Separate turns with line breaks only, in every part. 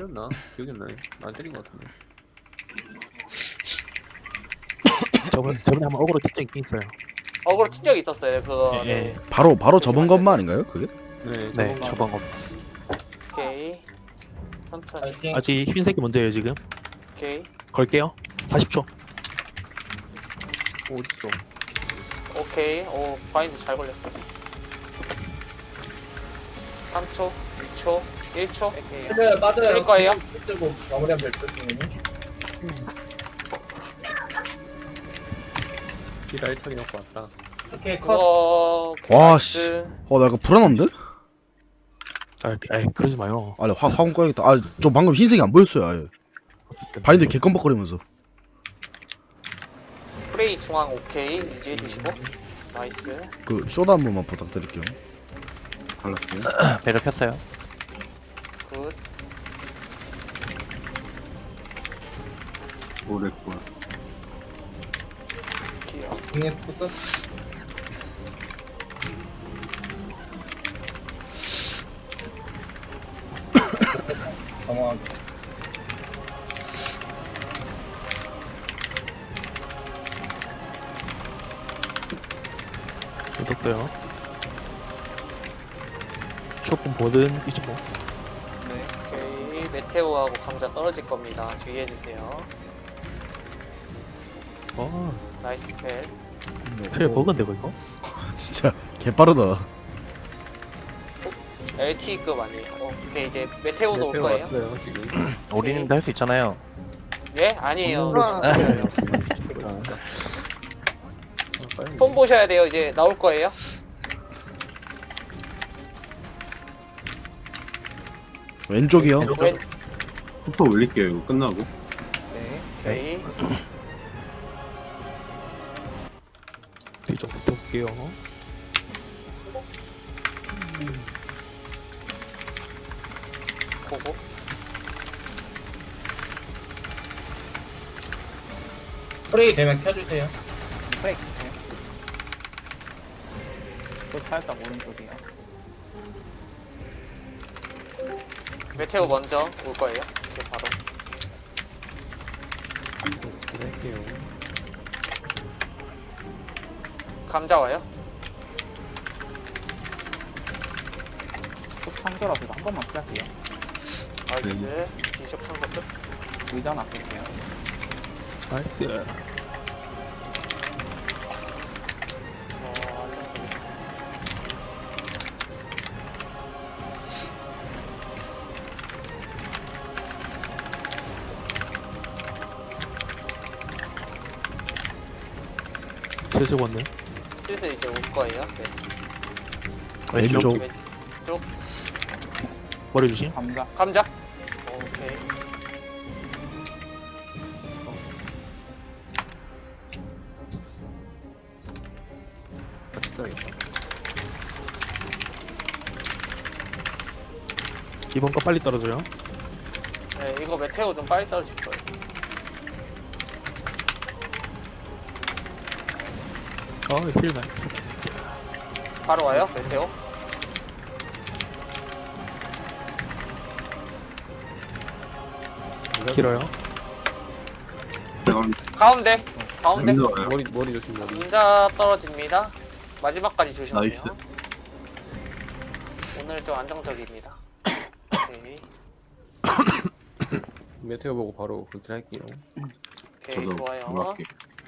때렸나? 기억이 안 나네. 안 때린 것 같은데.
저번에 한번 어그로 특정 있긴 있어요.
어그로 친 적이 있었어요. 그거.
예,
네.
바로 접은 것만 아닌가요? 그게?
네, 저번 거.
오케이. 천천히.
파이팅.
아직 흰색이 먼저예요 지금.
오케이.
걸게요. 40초.
어딨어?
오케이. 오, 바인드 잘 걸렸어. 3초, 2초, 1초.
그래 맞아요.
그럴 거예요?
들고 마무리하면 될듯 선생님.
딜 알차게 넣고 왔다.
오케이 컷.
그거.
와,
나이스.
씨. 나 이거 불안한데?
그러지 마요.
아니 화공 꺼야겠다. 저 방금 흰색이 안 보였어요. 아예. 바인드 개껌벅거리면서.
프레이 중앙 오케이. 이제 드시고. 나이스.
그 쇼다 한 번만 부탁드릴게요.
발랐어요?
배를 폈어요.
굿.
오랬구나.
기어.
중에 포커스. 당황하게.
떴어요. 쇼핑 보든 25.
네. 오케이. 메테오하고 감자 떨어질 겁니다. 주의해주세요. 나이스 펠.
펠 버그인데 이거?
진짜 개빠르다.
LTE급 아니에요. 오케이. 이제 메테오도 올 거예요.
왔어요 지금.
우리님도 할 수 있잖아요.
네? 아니에요.
빨리.
손 보셔야 돼요. 이제 나올 거예요.
왼쪽이요.
왼.
부터 올릴게요. 이거 끝나고.
네. 오케이.
뒤쪽 붙어볼게요.
보고.
프레이 되면 켜주세요.
살짝 오른쪽이요.
메테오 먼저 올 거예요. 이제 바로.
할게요.
감자 와요.
속 창조라서 이거 한 번만 피할게요.
나이스. 비숍 한거 끝.
의자 놔둘게요.
나이스.
안정적이다.
슬슬 왔네.
슬슬 이제 올 거예요. 네.
왼쪽.
왼쪽.
머리 주심.
감자.
감자. 오케이.
같이 써야겠다.
이번 거 빨리 떨어져요.
네, 이거 메테오 좀 빨리 떨어질 거예요.
힐 나이. 진짜.
바로 와요. 메테오.
길어요.
가운데. 가운데.
여기서 와요.
머리 조심 머리.
감자 떨어집니다. 마지막까지 조심하세요.
나이스.
오늘 좀 안정적입니다. 오케이.
메테오 보고 바로 그렇게 할게요.
오케이,
저도
좋아요.
올라갈게요.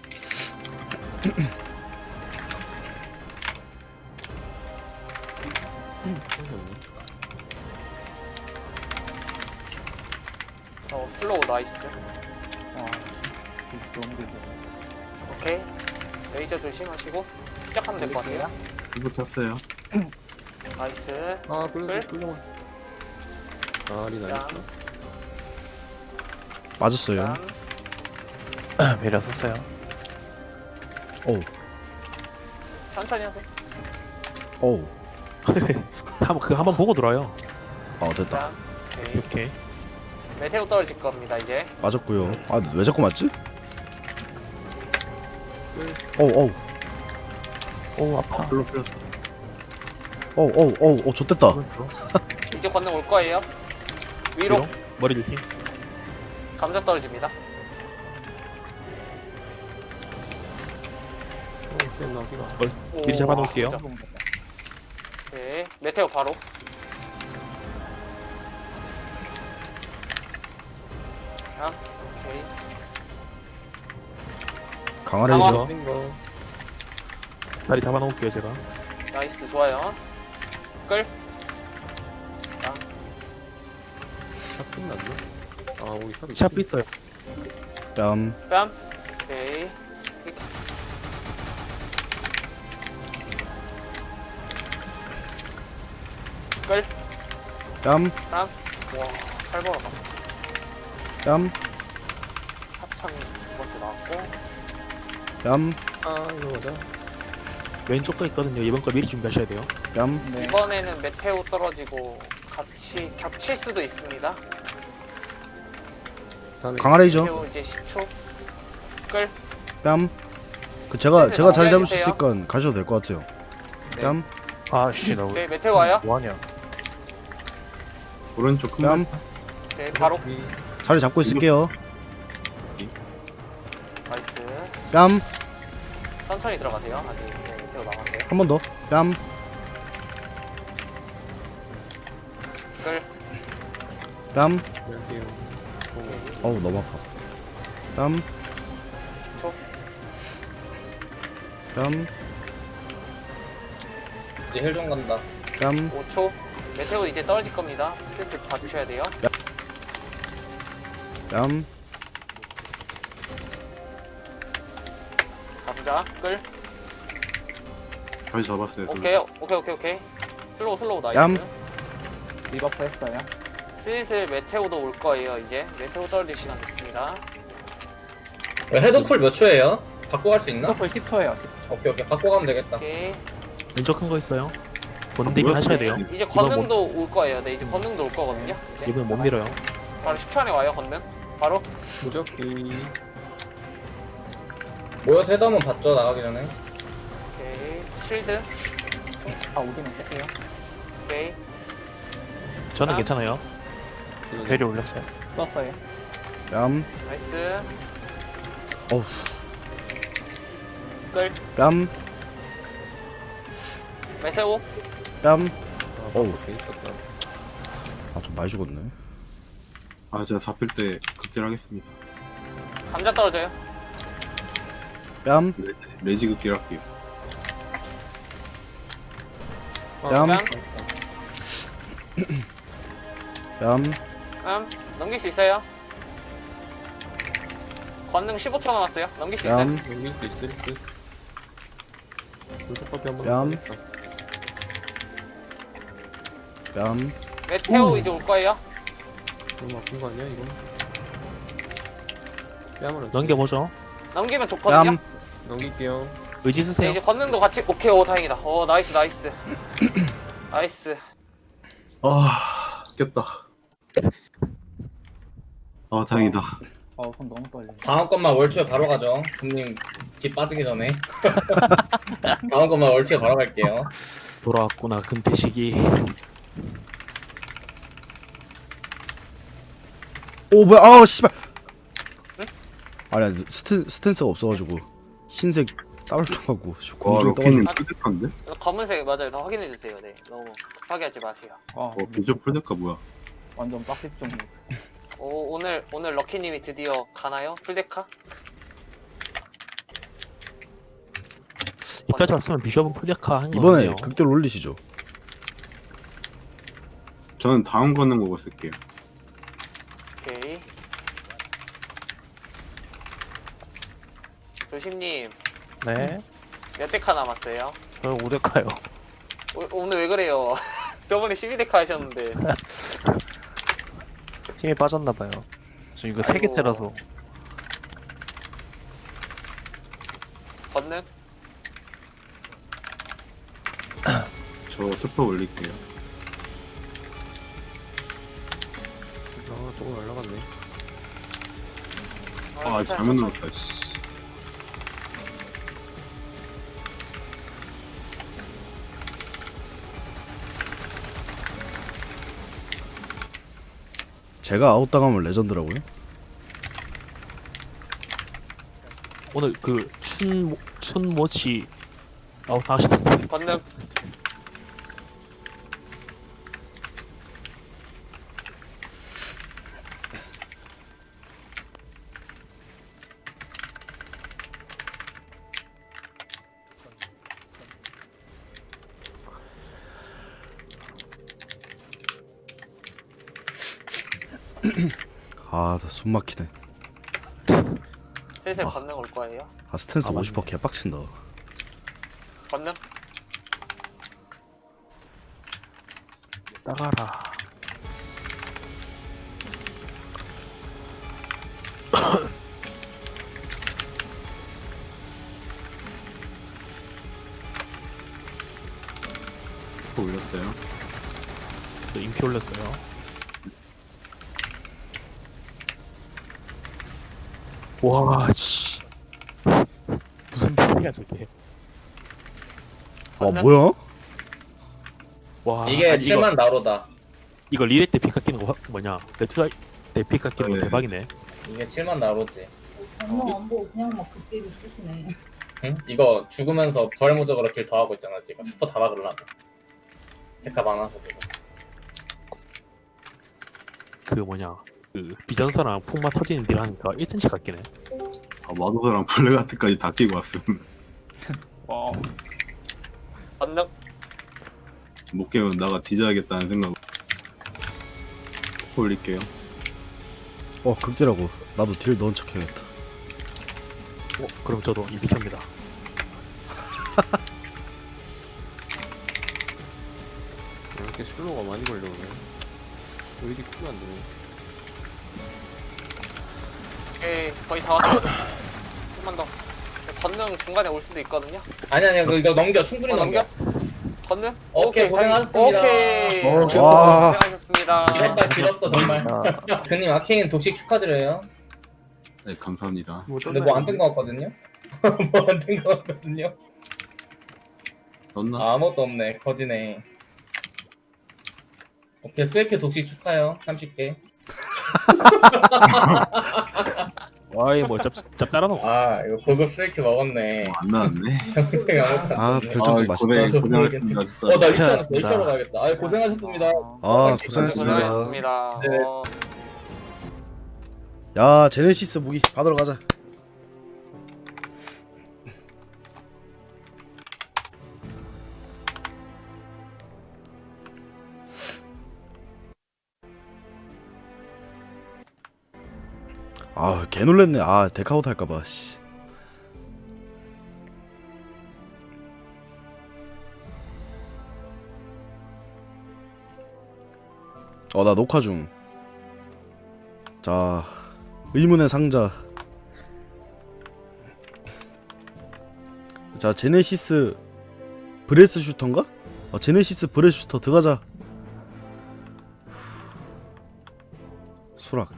슬로우 나이스.
너무 길어.
오케이. 레이저 조심하시고 시작하면 될 것 같아요.
이거 탔어요.
나이스.
아
끌?
끌려만. 아 리 나이스.
맞았어요.
배려 썼어요.
어우.
천천히 하세요.
어우.
한번 보고 들어요.
됐다.
오케이.
이렇게.
메테오 떨어질 겁니다, 이제.
맞았고요. 왜 자꾸 맞지? 어우.
오 아파.
별로 필요.
좆됐다.
이제 건능 올 거예요. 위로.
머리 조심.
감자 떨어집니다.
센 나기가.
오,
미리 잡아놓을게요.
진짜. 네, 메테오 바로. 아, 오케이.
강화레이저.
강화.
센 거.
다리 잡아놓을게요 제가.
나이스, 좋아요. 끌.
샵 끝났나? 아 우리 샵이.
샵 있어요.
뺨.
뺨. 오케이. 끌.
뺨.
뺨. 와, 살벌하다.
뺨.
합창 두 번째 나왔고.
뺨.
아 이거 맞아.
왼쪽 거 있거든요. 이번 거 미리 준비하셔야 돼요.
뺨.
네.
이번에는 메테오 떨어지고 같이 겹칠 수도 있습니다.
다음에
강화레이저.
메테오 이제 10초. 끌.
뺨. 그 제가 자리 잡을 수
알려주세요.
있으니까 가셔도 될 것 같아요.
네.
뺨.
아씨 나
네, 메테오 와요.
뭐하냐.
오른쪽 큰
뺨.
네, 바로.
자리 잡고 있을게요.
나이스.
뺨.
천천히 들어가세요. 아직 네, 메테오 남았어요.
한 번 더. 뺨.
끌.
뺨.
할게요.
어우 너무 아파. 뺨.
10초.
뺨.
이제 힐좀 간다.
뺨.
5초. 메테오 이제 떨어질 겁니다. 슬슬 봐주셔야 돼요.
뺨.
감자. 끌.
다시 잡았어요.
오케이. 슬로우 나이스.
얌.
리버프 했어요.
슬슬 메테오도 올 거예요. 이제 메테오 떨어질 시간 됐습니다.
헤드쿨 몇 초예요? 바꿔 갈 수 있나?
리버프 10초예요. 10초.
오케이 오케이 바꿔 가면 되겠다.
오케이.
왼쪽 큰 거 있어요. 보는 대비
뭐야?
하셔야 돼요.
이제 건능도 올 거예요. 네, 이제 건능도 올 거거든요. 이제
이번엔 못 밀어요.
바로 10초 안에 와요. 건능. 바로.
무적기.
모여서 헤드 한번 봤죠 나가기 전에.
오케이. 쉴드.
아, 우기는 쓸게요.
오케이.
저는
아.
괜찮아요. 배리 올렸어요.
썼어요.
뺨.
나이스.
어우.
끌.
뺨.
메테오.
뺨.
아
어우.
돼 있었다.
아 좀 많이 죽었네.
아 제가 잡힐 때 극딜하겠습니다.
감자 떨어져요.
뺨.
레지 극딜 할게요.
뺨.
뺨.
뺨.
넘길 수 있어요. 건능 15초 남았어요. 넘길 수 있어요.
뺨.
넘길 수 있을 듯. 물속밖에 한번.
뺨. 뺨.
메테오 이제 올 거예요.
너무 아픈 거 아니야 이거? 뺨을
넘겨보죠.
넘기면 좋거든요.
뺨.
넘길게요.
의지
네,
쓰세요.
이제 건능도 같이. 오케이, 오 다행이다. 오 나이스. 나이스.
아 깼다. 아 다행이다.
손 너무 떨려.
다음 것만 월초에 바로 가죠. 손님 뒷 빠지기 전에. 다음 것만 월초에 바로 갈게요.
돌아왔구나 금태식이.
오 뭐야? 아 씨발. 아니야 스탠스가 없어가지고 흰색 따블통하고
와
공중에
로키님
떠가지고.
풀데카인데?
검은색 맞아요. 더 확인해 주세요. 네, 너무 급하게 하지 마세요.
비저 풀데카 뭐야?
완전 빡십 좀.
오늘 럭키님이 드디어 가나요? 풀데카?
이까지 왔으면 비숍은 풀데카 한
이번에
거네요.
극대로 올리시죠.
저는 다음 거는 거고 쓸게요.
오케이. 조심님
네.
몇 데카 남았어요?
저 5대카요.
오늘 왜 그래요? 저번에 12데카 하셨는데.
힘이 빠졌나봐요. 저 이거 3개
아이고.
때라서.
건능?
저 스퍼 올릴게요.
아 조금 올라갔네.
아 잘못 눌렀다. 씨.
제가 아웃당하면 레전드라고요?
오늘 그 춘모치 아웃하시던데.
건능.
아, 나 숨 막히네.
슬슬
아.
건능 올 거예요.
아, 스탠스
아, 맞네.
50% 개빡친다.
건능.
따가라.
또 올렸어요.
또 인피 올렸어요. 와, 씨. 무슨 일이야 저게?
와, 뭐야?
와,
이게
아니,
7만 나로다.
이거 리레 때 피카 끼는 거 뭐냐? 레투라 때 피카 끼는 거
네.
대박이네.
이게 7만 나로지.
전혀 안 보고 그냥 막 극딜을 쓰시네.
응? 이거 죽으면서 부활무적으로 길 더 하고 있잖아 지금. 슈퍼 다 막으려고. 데카 많아서 지금.
그 뭐냐? 그 비전사랑 풍마 터지는 딜 하니까 1cm 깎이네.
아, 마도사랑 블랙아트까지 다 끼고 왔음.
와. 건능.
못 깨면 나가 뒤져야겠다는 생각. 올릴게요.
극딜하고 나도 딜 넣은 척 해야겠다.
그럼 저도 인피입니다.
이렇게 슬로우가 많이 걸려오네. 오일이 크면 안 되네.
오케이 거의 다 왔어. 조금만 더. 건능 중간에 올 수도 있거든요.
아니 이거 넘겨. 충분히
넘겨?
넘겨.
건능?
오케이, 고생하셨습니다.
오케이.
와.
고생하셨습니다.
이랬다 길었어 정말. 그님 아케인 독식 축하드려요.
네, 감사합니다.
근데 뭐 안 뜬 거 같거든요? 뭐 안 뜬 거 같거든요?
넣나?
아무것도 없네. 거지네. 오케이, 스웨큐 독식 축하해요. 30개.
와이 뭐 짭짤하노.
아, 이거 고급 스웨큐 먹었네.
안 나왔네.
정말 아무것도
아,
안 떴네.
결정적 맛있다.
고생하셨습니다. 진짜.
나
고생하셨습니다.
일자로 가야겠다. 아, 고생하셨습니다.
아, 고생했습니다.
고생하셨습니다.
네.
야, 제네시스 무기 받으러 가자. 아, 개 놀랬네. 아, 데카웃 할까봐. 씨. 나 녹화 중. 자, 의문의 상자. 자, 제네시스 브레스 슈터인가? 제네시스 브레스 슈터 들어가자. 수락.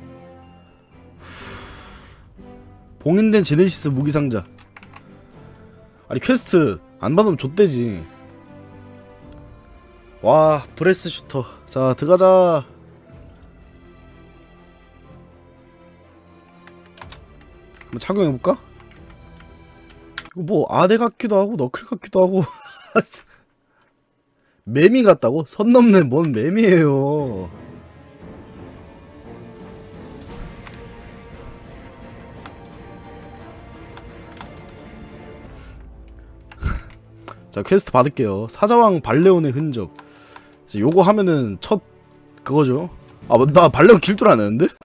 봉인된 제네시스 무기 상자. 아니, 퀘스트 안 받으면 좆대지. 와, 브레스 슈터. 자, 들어가자. 한번 착용해볼까? 이거 뭐 아대 같기도 하고 너클 같기도 하고 매미 같다고? 선 넘는 뭔 매미예요. 자, 퀘스트 받을게요. 사자왕 발레온의 흔적. 이제 요거 하면은 첫 그거죠. 나 발레온 길 줄 아는데?